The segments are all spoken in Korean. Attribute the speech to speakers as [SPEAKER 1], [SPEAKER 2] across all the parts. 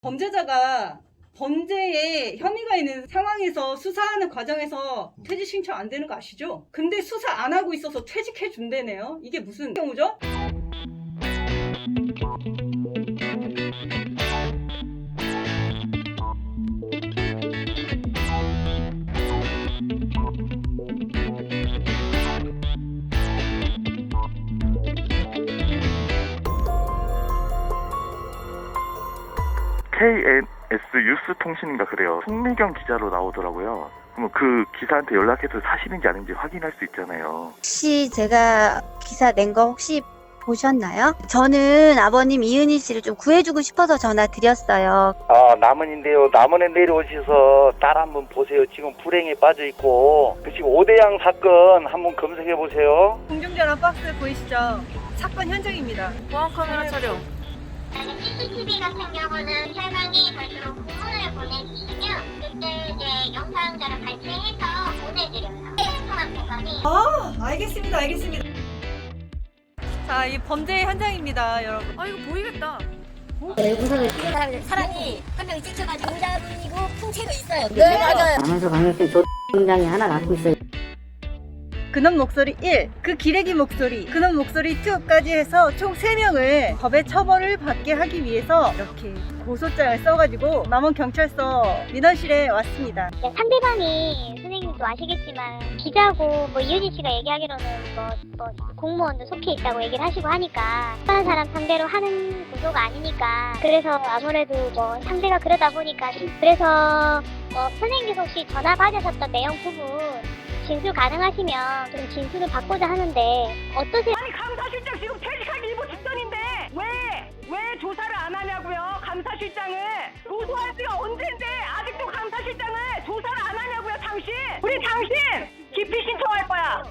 [SPEAKER 1] 범죄자가 범죄에 혐의가 있는 상황에서 수사하는 과정에서 퇴직 신청 안 되는 거 아시죠? 근데 수사 안 하고 있어서 퇴직해 준대네요. 이게 무슨 경우죠?
[SPEAKER 2] KNS 뉴스통신인가 그래요. 송미경 기자로 나오더라고요. 그럼 그 기사한테 연락해서 사실인지 아닌지 확인할 수 있잖아요.
[SPEAKER 3] 혹시 제가 기사 낸 거 혹시 보셨나요? 저는 아버님 이은희 씨를 좀 구해주고 싶어서 전화 드렸어요.
[SPEAKER 4] 남원인데요. 남원에 내려오셔서 딸 한번 보세요. 지금 불행에 빠져 있고 지금 오대양 사건 한번 검색해 보세요.
[SPEAKER 1] 공중전화 박스 보이시죠? 사건 현장입니다.
[SPEAKER 5] 보안 카메라 촬영.
[SPEAKER 6] CCTV 같은 경우는 혈관이 별도로 공문을 보내주시면 그때 이제 영상자를 발췌해서 보내드려요. 통합 공간이.
[SPEAKER 1] 알겠습니다. 자, 이 범죄 현장입니다, 여러분.
[SPEAKER 5] 아, 이거 보이겠다.
[SPEAKER 7] 사람이 한 명이 찍혀가지고 여자분이고 풍채도 있어요.
[SPEAKER 5] 네, 맞아요.
[SPEAKER 7] 남한서 강력된 조장이 하나 갖고 있어요.
[SPEAKER 1] 근원 목소리 1, 그 기레기 목소리, 근원 목소리 2까지 해서 총 3명을 법의 처벌을 받게 하기 위해서 이렇게 고소장을 써가지고 남원경찰서 민원실에 왔습니다.
[SPEAKER 6] 상대방이 선생님도 아시겠지만 기자고 뭐 이유진 씨가 얘기하기로는 뭐 공무원도 속해 있다고 얘기를 하시고 하니까 다른 사람 상대로 하는 구조가 아니니까 그래서 아무래도 뭐 상대가 그러다 보니까 그래서 선생님께서 혹시 전화 받으셨던 내용 부분 진술 가능하시면 좀 진술을 받고자 하는데 어떠세요?
[SPEAKER 8] 아니 감사실장 지금 퇴직하기 일보 직전인데 왜 조사를 안 하냐고요? 감사실장을 고소할 때가 언젠데 아직도 감사실장을 조사를 안 하냐고요? 우리 당신 기피 신청할 거야.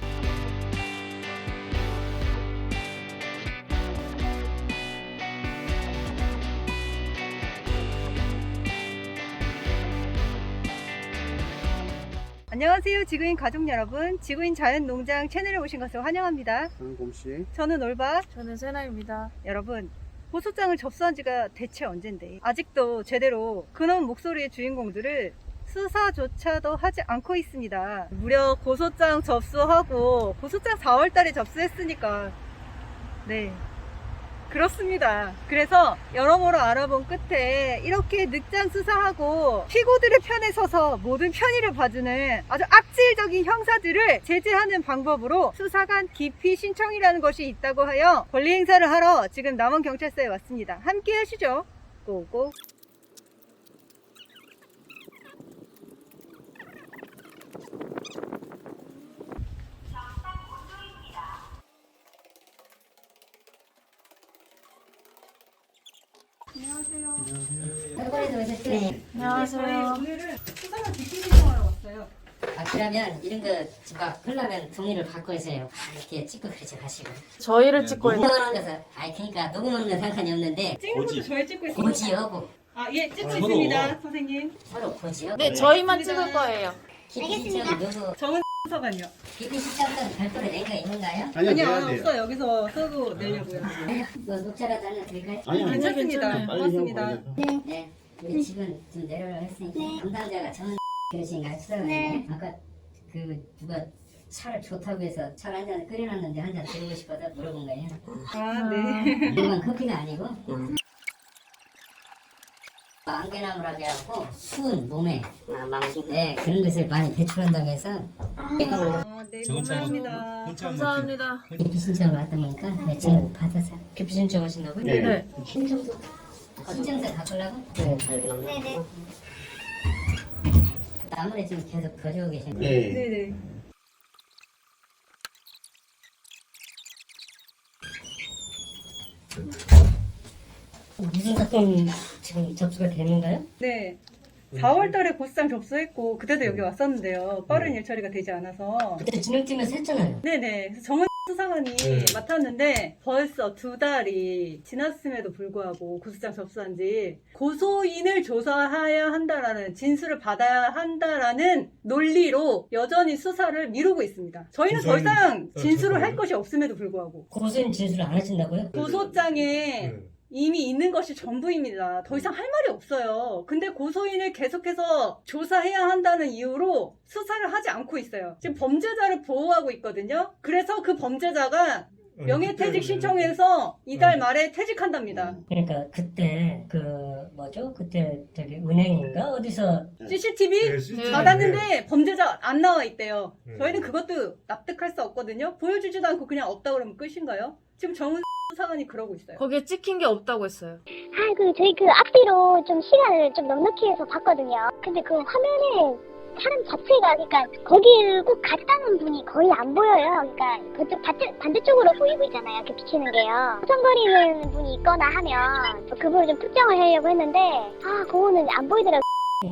[SPEAKER 1] 안녕하세요, 지구인 가족 여러분. 지구인 자연농장 채널에 오신 것을 환영합니다.
[SPEAKER 9] 저는 곰씨.
[SPEAKER 1] 저는 올바.
[SPEAKER 5] 저는 세나입니다.
[SPEAKER 1] 여러분, 고소장을 접수한 지가 대체 언젠데 아직도 제대로 근원 목소리의 주인공들을 수사조차도 하지 않고 있습니다. 무려 고소장 접수하고 고소장 4월달에 접수했으니까 네, 그렇습니다. 그래서 여러모로 알아본 끝에 이렇게 늑장 수사하고 피고들의 편에 서서 모든 편의를 봐주는 아주 악질적인 형사들을 제재하는 방법으로 수사관 기피 신청이라는 것이 있다고 하여 권리 행사를 하러 지금 남원경찰서에 왔습니다. 함께 하시죠. 고고.
[SPEAKER 7] 네.
[SPEAKER 5] 안녕하세요.
[SPEAKER 1] 오늘은 수사관 기피 신청하러 왔어요.
[SPEAKER 7] 그러면 이런 거 막 하려면 종이를 바꿔 있어요. 이렇게 찍고 그러지 마시고.
[SPEAKER 5] 저희를 찍고 있는.
[SPEAKER 7] 녹음하는 것은 그러니까 녹음하는 건 상관이 없는데
[SPEAKER 1] 찍는 것도 저희 찍고 있습니다.
[SPEAKER 7] 고지하고
[SPEAKER 1] 예, 찍고 있습니다, 선생님.
[SPEAKER 7] 서로 고지하고.
[SPEAKER 5] 네, 저희만 찍을 거예요.
[SPEAKER 7] 기피 신청 누구?
[SPEAKER 1] 정은 수사관이요.
[SPEAKER 7] 기피 신청은 별도로 낸 거 있는가요?
[SPEAKER 9] 아니요,
[SPEAKER 1] 아니요,
[SPEAKER 9] 내야 돼요.
[SPEAKER 1] 없어. 여기서 쓰고 내려고요.
[SPEAKER 7] 뭐 녹차라도 하나 드릴까요?
[SPEAKER 9] 아니요, 아니요.
[SPEAKER 1] 괜찮습니다.
[SPEAKER 5] 괜찮아요.
[SPEAKER 9] 빨리 형
[SPEAKER 1] 고맙습니다.
[SPEAKER 9] 보내서.
[SPEAKER 7] 네. 우리 집은 좀 내려오라 했으니까 담당자가 전 그러신가요? 수사관이 아까 그 누가 차를 좋다고 해서 차를 한 잔 끓여놨는데 한 잔 드리고 싶어서 물어본 거예요.
[SPEAKER 1] 네.
[SPEAKER 7] 이건 커피가 아니고 안개나무라고 해갖고 수은 몸에 네, 그런 것을 많이 배출한다고 해서
[SPEAKER 1] 네, 감사합니다.
[SPEAKER 5] 감사합니다.
[SPEAKER 7] 기피 신청을 받다 보니까 네, 지금 받아서 기피 신청 하신다고요?
[SPEAKER 9] 네.
[SPEAKER 7] 신청서 바꾸려고?
[SPEAKER 6] 네네.
[SPEAKER 7] 나무에 지금 계속 거주고 계신 거예요?
[SPEAKER 9] 네.
[SPEAKER 1] 네네.
[SPEAKER 7] 무슨 사건 지금 접수가 되는가요?
[SPEAKER 1] 네. 4월 달에 고소장 접수했고, 그때도 여기 왔었는데요. 빠른 일 처리가 되지 않아서.
[SPEAKER 7] 그때 진흥팀에서 했잖아요.
[SPEAKER 1] 네네. 그래서 정은 수사관이 맡았는데, 벌써 2달이 지났음에도 불구하고 고소장 접수한 지 고소인을 조사해야 한다라는, 진술을 받아야 한다라는 논리로 여전히 수사를 미루고 있습니다. 저희는 더 이상 진술을 할 것이 없음에도 불구하고.
[SPEAKER 7] 고소인 진술을 안 하신다고요?
[SPEAKER 1] 고소장에 이미 있는 것이 전부입니다. 더 이상 할 말이 없어요. 근데 고소인을 계속해서 조사해야 한다는 이유로 수사를 하지 않고 있어요. 지금 범죄자를 보호하고 있거든요. 그래서 그 범죄자가 명예퇴직 신청해서 이달 말에 퇴직한답니다.
[SPEAKER 7] 그러니까 그때 그 뭐죠? 그때 저기 은행인가 어디서
[SPEAKER 1] CCTV
[SPEAKER 9] CCTV.
[SPEAKER 1] 받았는데 범죄자 안 나와 있대요.
[SPEAKER 9] 네.
[SPEAKER 1] 저희는 그것도 납득할 수 없거든요. 보여주지도 않고 그냥 없다 그러면 끝인가요? 지금 정은 수사관이 그러고 있어요.
[SPEAKER 5] 거기에 찍힌 게 없다고 했어요.
[SPEAKER 6] 저희 그 앞뒤로 좀 시간을 좀 넉넉히 해서 봤거든요. 근데 그 화면에 사람 자체가, 그러니까 거기를 꼭 갔다는 분이 거의 안 보여요. 그러니까 그쪽 반대쪽으로 보이고 있잖아요. 그 비치는 게요. 수정거리는 분이 있거나 하면 그분을 좀 특정을 하려고 했는데, 그거는 안 보이더라고요.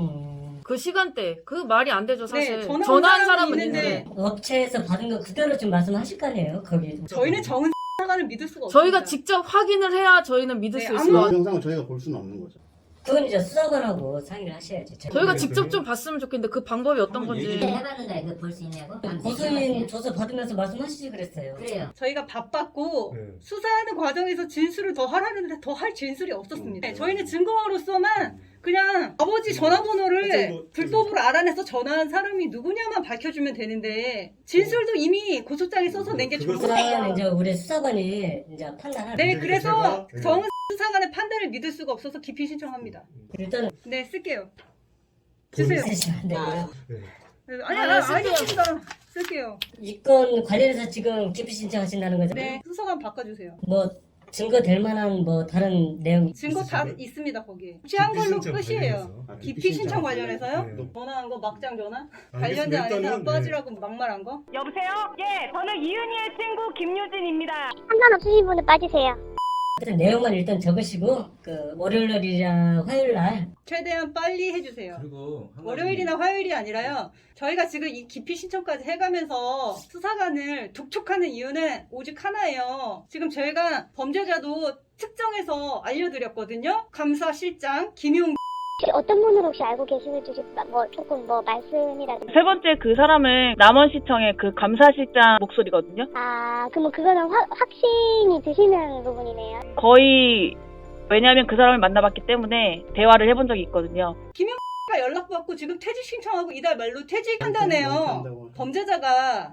[SPEAKER 5] 그 시간대 그 말이 안 되죠 사실.
[SPEAKER 1] 네,
[SPEAKER 5] 전화한 사람은
[SPEAKER 1] 있는데
[SPEAKER 5] 있는데
[SPEAKER 7] 업체에서 받은 거 그대로 좀 말씀하실 거 아니에요? 거기
[SPEAKER 1] 저희는 정은 수사관을 믿을 수가 없어요.
[SPEAKER 5] 저희가 직접 확인을 해야 저희는 믿을
[SPEAKER 1] 네,
[SPEAKER 5] 수 있을
[SPEAKER 1] 아무-
[SPEAKER 5] 것 같아요.
[SPEAKER 9] 영상을 저희가 볼 수는 없는 거죠.
[SPEAKER 7] 그건 이제 수사관하고 상의를 하셔야지.
[SPEAKER 5] 저희가
[SPEAKER 9] 네,
[SPEAKER 5] 직접
[SPEAKER 9] 그래요?
[SPEAKER 5] 좀 봤으면 좋겠는데 그 방법이 어떤
[SPEAKER 7] 네,
[SPEAKER 5] 건지.
[SPEAKER 7] 해봤는데 그거 볼 수 있냐고? 고소인 조사 받으면서 말씀하시지 그랬어요. 그래요.
[SPEAKER 1] 저희가 바빴고
[SPEAKER 9] 네.
[SPEAKER 1] 수사하는 과정에서 진술을 더 하라는데 더 할 진술이 없었습니다. 네, 저희는 증거로서만 그냥 아버지 전화번호를
[SPEAKER 9] 뭐,
[SPEAKER 1] 불법으로 알아내서 전화한 사람이 누구냐만 밝혀주면 되는데 진술도 이미 고소장에 써서 낸 게
[SPEAKER 9] 그걸
[SPEAKER 1] 전부예요.
[SPEAKER 7] 그건 이제 우리 수사관이 이제 판단할.
[SPEAKER 1] 네,
[SPEAKER 9] 근데
[SPEAKER 1] 그래서
[SPEAKER 9] 제가-
[SPEAKER 1] 정은 수사관의 판단을 믿을 수가 없어서 기피 신청합니다.
[SPEAKER 7] 일단은
[SPEAKER 1] 네, 쓸게요. 주세요.
[SPEAKER 7] 쓰시면 안 되고요.
[SPEAKER 9] 네.
[SPEAKER 1] 알겠습니다. 쓸게요.
[SPEAKER 7] 이 건 관련해서 지금 기피 신청하신다는 거죠?
[SPEAKER 1] 네, 수사관 바꿔주세요.
[SPEAKER 7] 뭐 증거 될 만한 뭐 다른 내용
[SPEAKER 1] 증거 다
[SPEAKER 9] 있으신가요?
[SPEAKER 1] 있습니다, 거기에. 취한
[SPEAKER 9] 기피
[SPEAKER 1] 걸로
[SPEAKER 9] 신청
[SPEAKER 1] 끝이에요.
[SPEAKER 9] 관련해서. 아,
[SPEAKER 1] 기피 신청 관련해서요?
[SPEAKER 9] 네.
[SPEAKER 1] 전화한 거 막장 전화?
[SPEAKER 9] 알겠습니다.
[SPEAKER 1] 관련자 아닌 사람
[SPEAKER 9] 일단은,
[SPEAKER 1] 빠지라고 막말한 거?
[SPEAKER 8] 여보세요? 예, 저는 이은희의 친구 김유진입니다.
[SPEAKER 6] 상관없으신 분은 빠지세요.
[SPEAKER 7] 하여튼 내용만 일단 적으시고 그 월요일날이랑 화요일날
[SPEAKER 1] 최대한 빨리 해주세요.
[SPEAKER 10] 그리고 한 가지-
[SPEAKER 1] 월요일이나 화요일이 아니라요. 저희가 지금 이 기피 신청까지 해가면서 수사관을 독촉하는 이유는 오직 하나예요. 지금 저희가 범죄자도 특정해서 알려드렸거든요. 감사실장 김용.
[SPEAKER 6] 혹시 어떤 분으로 혹시 알고 계시는지 조금 말씀이라도.
[SPEAKER 8] 세 번째 그 사람은 남원시청의 그 감사실장 목소리거든요.
[SPEAKER 6] 그러면 그거는 확신이 드시는 부분이네요.
[SPEAKER 8] 거의 왜냐하면 그 사람을 만나봤기 때문에 대화를 해본 적이 있거든요.
[SPEAKER 1] 가 연락받고 지금 퇴직 신청하고 이달 말로 퇴직한다네요.
[SPEAKER 9] 한다고.
[SPEAKER 1] 범죄자가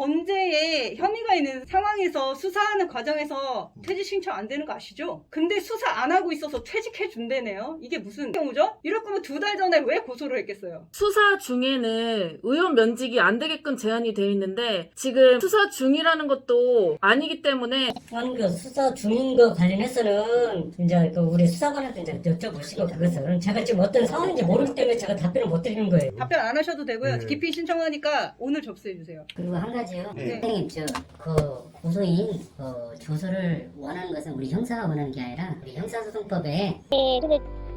[SPEAKER 1] 범죄에 혐의가 있는 상황에서 수사하는 과정에서 퇴직 신청 안 되는 거 아시죠? 근데 수사 안 하고 있어서 퇴직해 준대네요. 이게 무슨 경우죠? 이럴 거면 2달 전에 왜 고소를 했겠어요?
[SPEAKER 5] 수사 중에는 의원 면직이 안 되게끔 제한이 되어 있는데 지금 수사 중이라는 것도 아니기 때문에
[SPEAKER 7] 그 수사 중인 거 관련해서는 이제 그 우리 수사관한테 이제 여쭤보시고 그것은 제가 지금 어떤 상황인지 모르기 때문에 제가 답변을 못 드리는 거예요.
[SPEAKER 1] 답변 안 하셔도 되고요.
[SPEAKER 9] 네.
[SPEAKER 1] 기피 신청하니까 오늘 접수해 주세요.
[SPEAKER 7] 그리고 한 가지요.
[SPEAKER 9] 네.
[SPEAKER 7] 선생님 그 고소인 조서를 원하는 것은 우리 형사가 원하는 게 아니라 우리 형사소송법에
[SPEAKER 6] 네, 근데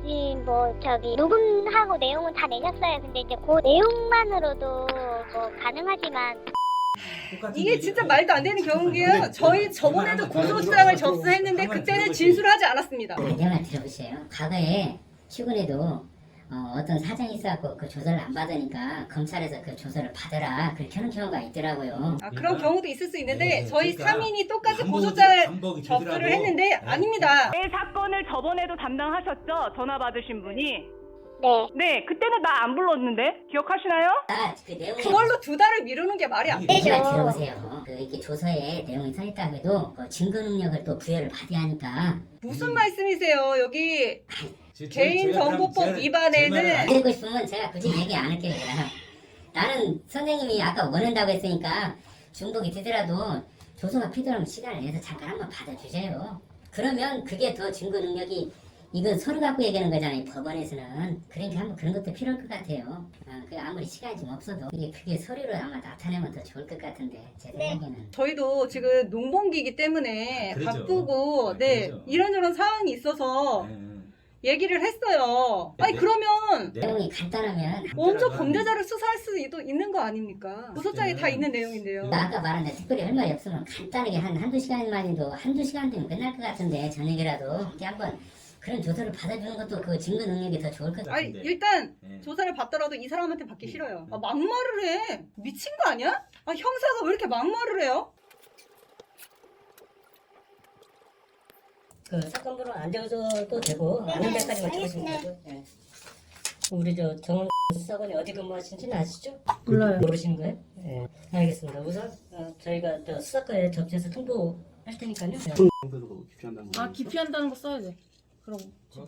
[SPEAKER 6] 녹음하고 내용은 다 내셨어요. 근데 이제 그 내용만으로도 가능하지만.
[SPEAKER 10] 똑같은
[SPEAKER 1] 이게
[SPEAKER 10] 얘기-
[SPEAKER 1] 진짜 말도 안 되는 경우인 게요.
[SPEAKER 9] 근데
[SPEAKER 1] 저희 저번에도 고소장을 접수했는데 그때는 진술하지 않았습니다.
[SPEAKER 7] 내 말 들어보세요. 과거에 최근에도 어떤 사정이 있어갖고 그 조사를 안 받으니까 검찰에서 그 조사를 받으라 그렇게 하는 경우가 있더라고요.
[SPEAKER 1] 그런
[SPEAKER 10] 그러니까-
[SPEAKER 1] 경우도 있을 수 있는데
[SPEAKER 10] 네,
[SPEAKER 1] 저희
[SPEAKER 10] 그러니까
[SPEAKER 1] 3인이 똑같이
[SPEAKER 10] 반복이-
[SPEAKER 1] 고소장을
[SPEAKER 10] 반복이
[SPEAKER 1] 접수를
[SPEAKER 10] 되더라고.
[SPEAKER 1] 했는데
[SPEAKER 10] 네.
[SPEAKER 1] 아닙니다.
[SPEAKER 8] 내 사건을 저번에도 담당하셨죠? 전화 받으신 분이.
[SPEAKER 6] 네.
[SPEAKER 8] 네, 그때는 나 안 불렀는데 기억하시나요?
[SPEAKER 7] 그 내용이
[SPEAKER 1] 그걸로 2달을 미루는 게 말이 안 돼.
[SPEAKER 7] 내 말 들어보세요. 그 이렇게 조서에 내용이 서 있다고 해도 증거 능력을 또 부여를 받아야 하니까
[SPEAKER 1] 무슨 말씀이세요? 여기
[SPEAKER 10] 제-
[SPEAKER 1] 개인정보법
[SPEAKER 10] 제가-
[SPEAKER 1] 위반에는
[SPEAKER 10] 제 말을
[SPEAKER 7] 안 듣고 싶으면 제가 굳이 얘기 안 할게요. 그냥. 나는 선생님이 아까 원한다고 했으니까 중복이 되더라도 조서가 필요하면 시간을 내서 잠깐 한번 받아주세요. 그러면 그게 더 증거 능력이 이건 서로 갖고 얘기하는 거잖아요. 법원에서는. 그러니까 한번 그런 것도 필요할 것 같아요. 그 아무리 시간이 좀 없어도 이게 그게 서류로 아마 나타내면 더 좋을 것 같은데 제 생각에는.
[SPEAKER 1] 저희도 지금 농번기이기 때문에
[SPEAKER 10] 그러죠.
[SPEAKER 1] 바쁘고 네
[SPEAKER 10] 그러죠.
[SPEAKER 1] 이런저런 상황이 있어서
[SPEAKER 10] 네.
[SPEAKER 1] 얘기를 했어요. 아니
[SPEAKER 10] 네.
[SPEAKER 1] 그러면
[SPEAKER 7] 내용이 간단하면
[SPEAKER 1] 먼저 범죄자를 수사할 수도 있는 거 아닙니까? 고소장에 다 있는 내용인데요.
[SPEAKER 7] 아까 말한 데 특별히 할 말이 없으면 간단하게 한두 시간만 해도 한두 시간 되면 끝날 것 같은데 저녁이라도 이렇게 한번 그런 조사를 받아주는 것도 그 증거 능력이 더 좋을 것
[SPEAKER 1] 아니
[SPEAKER 7] 같은데.
[SPEAKER 1] 일단
[SPEAKER 10] 네.
[SPEAKER 1] 조사를 받더라도 이 사람한테 받기 싫어요. 막말을 해. 미친 거 아니야? 형사가 왜 이렇게 막말을 해요?
[SPEAKER 7] 그 사건 번호 안 적어줘도 되고 아는 데까지만 적으시면 되고. 예. 우리 저 정원 수사관이 어디 근무하시는지는 아시죠?
[SPEAKER 5] 몰라요.
[SPEAKER 7] 모르시는 거예요? 예. 알겠습니다. 우선 저희가 저 수사과에 접수해서 통보할 테니까요. 예.
[SPEAKER 9] 상대로 기피한다는 거.
[SPEAKER 5] 아 기피한다는 거 써야지. 그럼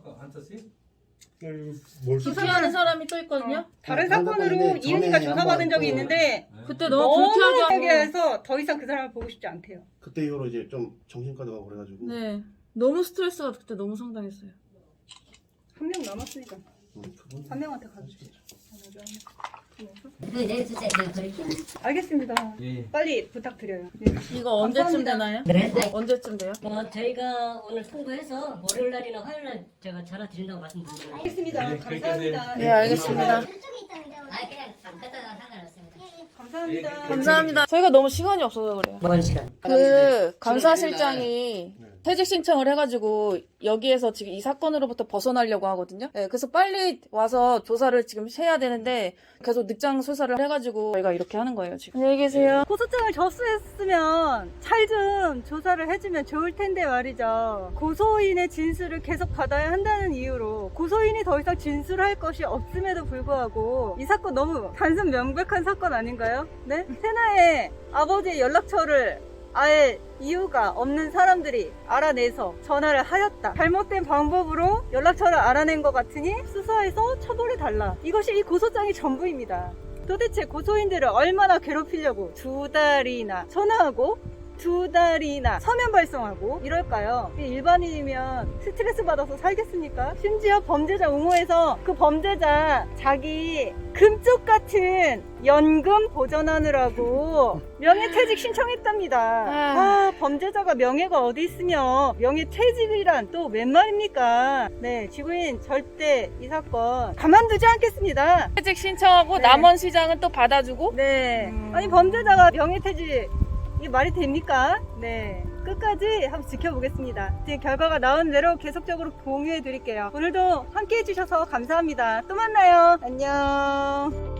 [SPEAKER 9] 뭘
[SPEAKER 5] 기피하는 사람이 또 있거든요.
[SPEAKER 1] 다른
[SPEAKER 9] 다른
[SPEAKER 1] 사건으로
[SPEAKER 9] 사건인데
[SPEAKER 1] 이은이가
[SPEAKER 9] 전에
[SPEAKER 1] 조사받은
[SPEAKER 9] 한번
[SPEAKER 1] 적이
[SPEAKER 9] 또-
[SPEAKER 1] 있는데
[SPEAKER 5] 그때 너무
[SPEAKER 1] 너무
[SPEAKER 5] 불쾌하게
[SPEAKER 1] 세게
[SPEAKER 5] 하고.
[SPEAKER 1] 해서 더 이상 그 사람을 보고 싶지 않대요.
[SPEAKER 9] 그때 이후로 이제 좀 정신과도 가고 그래가지고.
[SPEAKER 5] 네. 너무 스트레스가 그때 너무 상당했어요.
[SPEAKER 1] 한 명 남았으니까
[SPEAKER 9] 그분
[SPEAKER 1] 한 명한테 가주세요.
[SPEAKER 7] 내주세요. 내가 드릴게요.
[SPEAKER 1] 알겠습니다. 빨리 부탁드려요. 네.
[SPEAKER 5] 이거 언제쯤
[SPEAKER 1] 감사합니다.
[SPEAKER 5] 되나요?
[SPEAKER 7] 그래?
[SPEAKER 5] 언제쯤 돼요?
[SPEAKER 7] 저희가 오늘 통보해서 월요일 날이나 화요일 날 제가 전화 드린다고 말씀드릴게요.
[SPEAKER 1] 알겠습니다. 감사합니다.
[SPEAKER 5] 네, 알겠습니다.
[SPEAKER 7] 아 그냥 갖다가 상관없습니다.
[SPEAKER 1] 감사합니다.
[SPEAKER 5] 감사합니다. 저희가 너무 시간이 없어서 그래요.
[SPEAKER 7] 먼 시간.
[SPEAKER 5] 그 감사실장이 퇴직 신청을 해가지고 여기에서 지금 이 사건으로부터 벗어나려고 하거든요. 네, 그래서 빨리 와서 조사를 지금 해야 되는데 계속 늑장 수사를 해가지고 저희가 이렇게 하는 거예요 지금. 안녕히 계세요.
[SPEAKER 1] 고소장을 접수했으면 잘 좀 조사를 해주면 좋을 텐데 말이죠. 고소인의 진술을 계속 받아야 한다는 이유로 고소인이 더 이상 진술할 것이 없음에도 불구하고 이 사건 너무 단순 명백한 사건 아닌가요? 네? 세나의 아버지의 연락처를 아예 이유가 없는 사람들이 알아내서 전화를 하였다. 잘못된 방법으로 연락처를 알아낸 것 같으니 수사해서 처벌해달라. 이것이 이 고소장의 전부입니다. 도대체 고소인들을 얼마나 괴롭히려고 2달이나 전화하고 2달이나 서면 발송하고 이럴까요? 일반인이면 스트레스 받아서 살겠습니까? 심지어 범죄자 옹호해서 그 범죄자 자기 금쪽 같은 연금 보전하느라고 명예퇴직 신청했답니다. 아, 범죄자가 명예가 어디 있으며 명예퇴직이란 또 웬 말입니까? 네, 지구인 절대 이 사건 가만두지 않겠습니다.
[SPEAKER 5] 퇴직 신청하고
[SPEAKER 1] 네.
[SPEAKER 5] 남원 시장은 또 받아주고.
[SPEAKER 1] 네. 아니 범죄자가 명예퇴직 이게 말이 됩니까? 네. 끝까지 한번 지켜보겠습니다. 지금 결과가 나온 대로 계속적으로 공유해 드릴게요. 오늘도 함께 해주셔서 감사합니다. 또 만나요. 안녕.